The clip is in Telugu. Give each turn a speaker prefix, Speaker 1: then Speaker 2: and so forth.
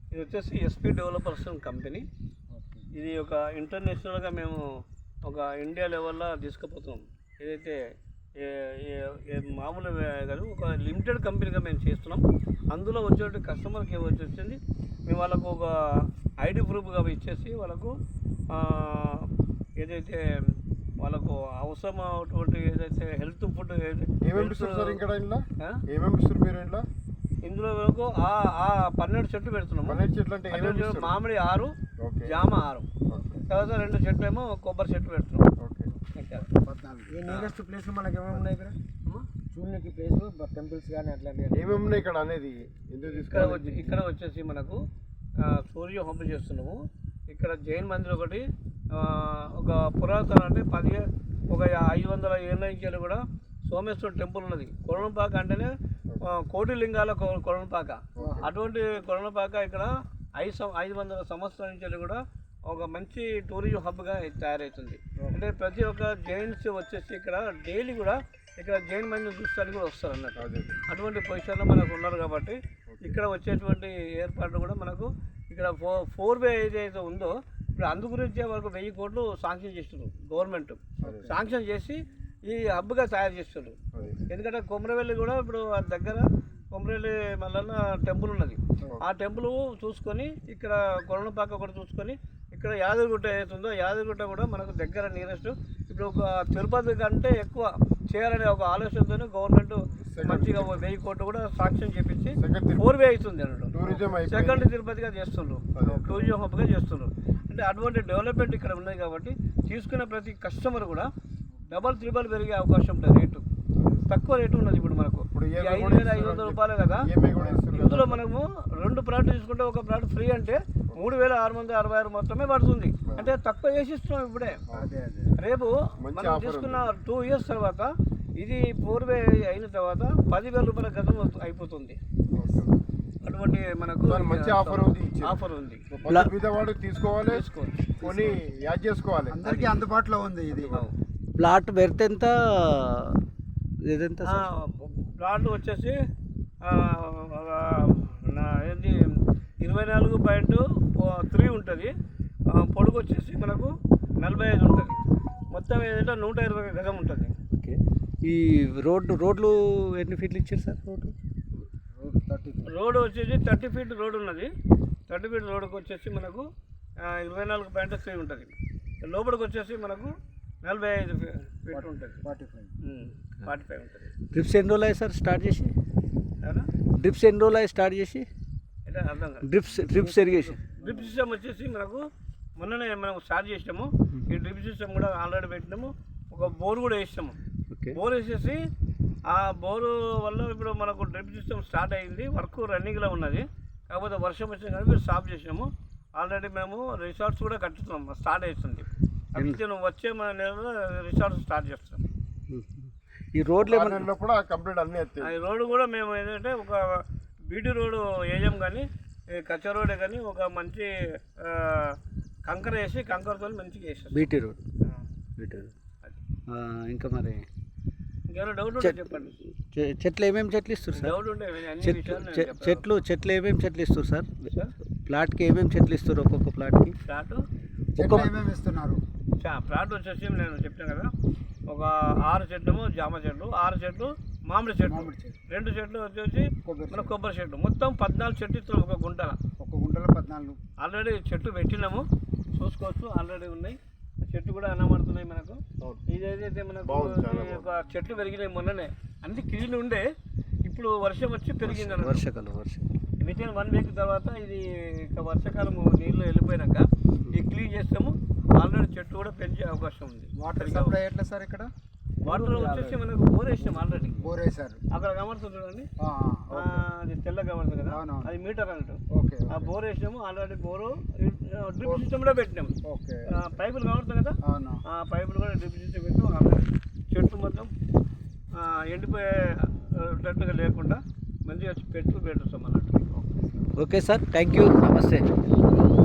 Speaker 1: ఇది వచ్చేసి ఎస్పీ డెవలపర్స్ కంపెనీ. ఇది ఒక ఇంటర్నేషనల్గా మేము ఒక ఇండియా లెవెల్లో తీసుకుపోతున్నాం. ఏదైతే మామూలు కాదు, ఒక లిమిటెడ్ కంపెనీగా మేము చేస్తున్నాం. అందులో వచ్చేటువంటి కస్టమర్కి వచ్చింది మేము వాళ్ళకు ఒక ఐడి ప్రూఫ్గా ఇచ్చేసి వాళ్ళకు ఏదైతే వాళ్ళకు అవసరమైనటువంటి ఏదైతే హెల్త్ ఫుడ్ ఇందులో వరకు 12 చెట్లు పెడుతున్నాము.
Speaker 2: 12 చెట్లు అంటే
Speaker 1: మామిడి 6, జామ 6, తర్వాత 2 చెట్లు ఏమో కొబ్బరి చెట్లు పెడుతున్నాం.
Speaker 3: నియరెస్ట్ ప్లేస్ మనకి ఏమేమి ఉన్నాయి ఇక్కడ చూడడానికి ప్లేస్ టెంపుల్స్ కానీ అట్లా
Speaker 2: ఏమేమి ఉన్నాయి ఇక్కడ అనేది
Speaker 1: ఇక్కడ వచ్చేసి మనకు సూర్య హోమం చేస్తున్నాము. ఇక్కడ జైన్ మందిర్ ఒకటి, ఒక పురాతన అంటే 500 ఏళ్ళ నుంచి కూడా సోమేశ్వర టెంపుల్ ఉన్నది. కొరణపాక అంటేనే కోటి లింగాల కొరణపాక. అటువంటి కొరణపాక ఇక్కడ 500 సంవత్సరాల నుంచి కూడా ఒక మంచి టూరిజం హబ్గా తయారవుతుంది. అంటే ప్రతి ఒక్క జైన్స్ వచ్చేసి ఇక్కడ డైలీ కూడా ఇక్కడ జైన్ మందిని చూస్తానికి కూడా వస్తారు అన్నట్టు. అటువంటి పొజిషన్లో మనకు ఉన్నారు కాబట్టి ఇక్కడ వచ్చేటువంటి ఏర్పాట్లు కూడా మనకు ఇక్కడ 4-వే ఏదైతే ఉందో ఇప్పుడు అందు గురించే వరకు 1000 కోట్లు శాంక్షన్ చేస్తున్నారు. గవర్నమెంట్ శాంక్షన్ చేసి ఈ హబ్గా తయారు చేస్తున్నారు. ఎందుకంటే కొమరవెల్లి కూడా ఇప్పుడు దగ్గర కొమరవెల్లి మల్లన్న టెంపుల్ ఉన్నది. ఆ టెంపుల్ చూసుకొని ఇక్కడ కొరణపాక ఒకటి చూసుకొని ఇక్కడ యాదగిరిగుట్ట ఏదైతుందో యాదగిరిగుట్ట కూడా మనకు దగ్గర నియరెస్ట్. ఇప్పుడు ఒక తిరుపతి కంటే ఎక్కువ చేయాలనే ఒక ఆలోచనతో గవర్నమెంట్ మంచిగా 1000 కోట్లు కూడా శాంక్షన్ చేపించి 4-వే అవుతుంది అన్నట్టు. సెకండ్ తిరుపతిగా చేస్తున్నారు, టూరిజం హబ్గా చేస్తున్నారు. అంటే అటువంటి డెవలప్మెంట్ ఇక్కడ ఉన్నది కాబట్టి తీసుకున్న ప్రతి కస్టమర్ కూడా డబల్ త్రిబల్ పెరిగే అవకాశం ఉంటుంది. రేటు తక్కువ రేటు ఉన్నది. ఇప్పుడు మనకు 5,500 రూపాయలే కదా. ఇందులో మనము 2 ప్లాట్లు తీసుకుంటే ఒక ప్లాట్ ఫ్రీ అంటే 3,666 మొత్తమే పడుతుంది. అంటే తక్కువ చేసి ఇస్తున్నాం ఇప్పుడే. రేపు మనం తీసుకున్న 2 ఇయర్స్ తర్వాత ఇది 4-వే అయిన తర్వాత 10,000 రూపాయల గతం అయిపోతుంది. అటువంటి మనకు
Speaker 2: మంచి ఆఫర్ ఉంది. తీసుకోవాలి, కొని యాడ్ చేసుకోవాలి,
Speaker 3: అందరికీ అందుబాటులో ఉంది. ఇది
Speaker 4: ప్లాట్ బెర్త్ ఎంత?
Speaker 1: ప్లాట్ వచ్చేసి ఏంటి 24.3 ఉంటుంది. పొడుగు వచ్చేసి మనకు 45 ఉంటుంది. మొత్తం ఏదంటే 120 గజం ఉంటుంది.
Speaker 4: ఓకే. ఈ రోడ్లు ఎన్ని ఫీట్లు ఇచ్చారు సార్?
Speaker 1: రోడ్డు వచ్చేసి 30 ఫీట్ రోడ్ ఉన్నది. 30 ఫీట్ రోడ్డుకి వచ్చేసి మనకు 24.3 ఉంటుంది. లోపలికి వచ్చేసి మనకు 45 ఫీట్ ఉంటుంది. 45 ఉంటుంది.
Speaker 4: డ్రిప్స్ ఎన్ని రోజులు అయ్యి సార్ స్టార్ట్ చేసి? డ్రిప్స్ ఎన్ని రోజులు అయ్యి స్టార్ట్ చేసి?
Speaker 1: అంటే అర్థం కాదు.
Speaker 4: డ్రిప్స్ ఇరిగేషన్
Speaker 1: డ్రిప్ సిస్టమ్ వచ్చేసి మనకు మొన్ననే మనం స్టార్ట్ చేసినాము. ఈ డ్రిప్ సిస్టమ్ కూడా ఆల్రెడీ పెట్టినాము. ఒక బోర్ కూడా వేసినాము. బోర్ వేసేసి ఆ బోరు వల్ల ఇప్పుడు మనకు డ్రిప్ సిస్టమ్ స్టార్ట్ అయింది. వర్క్ రన్నింగ్లో ఉన్నది. కాకపోతే వర్షం వచ్చింది కానీ మీరు స్టాప్ చేసినాము. ఆల్రెడీ మేము రిసార్ట్స్ కూడా కట్టుతున్నాం. స్టార్ట్ అవుతుంది. వచ్చే మన నెలలో రిసార్ట్స్ స్టార్ట్ చేస్తాం.
Speaker 4: ఈ రోడ్లు
Speaker 2: కూడా కంప్లీట్ అన్నీ
Speaker 1: ఈ రోడ్డు కూడా మేము ఏంటంటే ఒక బీటీ రోడ్డు వేయం కానీ కచ్చా రోడ్డే కానీ ఒక మంచి కంకర వేసి కంకరతో మంచిగా వేసాం.
Speaker 4: BT road. ఇంకా మరి
Speaker 1: ఇంకేమైనా డౌట్ ఉంటే చెప్పండి.
Speaker 4: చెట్లు ఏమేమి చెట్లు ఇస్తారు సార్?
Speaker 1: డౌట్ ఉంటే
Speaker 4: చెట్లు ఏమేమి చెట్లు ఇస్తారు సార్? ప్లాట్కి ఏమేమి చెట్లు ఇస్తారు? ఒక్కొక్క ప్లాట్కి
Speaker 3: ఏమేమి ఇస్తున్నారు?
Speaker 1: ప్లాట్ వచ్చేసి నేను చెప్పాను కదా, ఒక 6 చెట్లు జామ చెట్లు, 6 చెట్లు మామిడి చెట్లు, 2 చెట్లు వచ్చేసి మన కొబ్బరి చెట్లు. మొత్తం 14 చెట్లు ఇస్తున్నాం ఒక గుంటలో
Speaker 3: 14.
Speaker 1: ఆల్రెడీ చెట్లు పెట్టినాము, చూసుకోవచ్చు. ఆల్రెడీ ఉన్నాయి చెట్లు కూడా అనబడుతున్నాయి మనకు. ఇదైతే మనకు ఒక చెట్లు పెరిగినాయి మొన్ననే. అన్ని క్లీన్ ఉండే, ఇప్పుడు వర్షం వచ్చి పెరిగింది అన్నమాట.
Speaker 4: వర్షాకాలం
Speaker 1: వితిన్ 1 వీక్ తర్వాత ఇది ఇక వర్షాకాలం నీళ్ళు వెళ్ళిపోయినాక ఇది క్లీన్ చేస్తాము. ఆల్రెడీ చెట్టు కూడా పెంచే అవకాశం ఉంది.
Speaker 3: వాటర్ సప్లై ఎట్లా సార్? ఇక్కడ
Speaker 1: వాటర్ వచ్చేసి మనకు బోర్ వేసాం. ఆల్రెడీ
Speaker 3: బోర్ వేసారు.
Speaker 1: అక్కడ కమర్తుంది చూడండి, అది తెల్ల కమర్తుంది కదా, అది మీటర్ అన్నట్టు. ఆ బోర్ వేసినాము. ఆల్రెడీ బోరు డ్రిప్ సిస్టమ్ కూడా పెట్టినాము. పైపులు కమర్తుంది కదా, ఆ పైపులు కూడా డ్రిప్ సిస్టమ్ పెట్టాము. ఆల్రెడీ చెట్టు మొత్తం ఎండిపోయేటట్టుగా లేకుండా మంచిగా పెట్టుతాం అన్నట్టు.
Speaker 4: ఓకే సార్, థ్యాంక్ యూ, నమస్తే.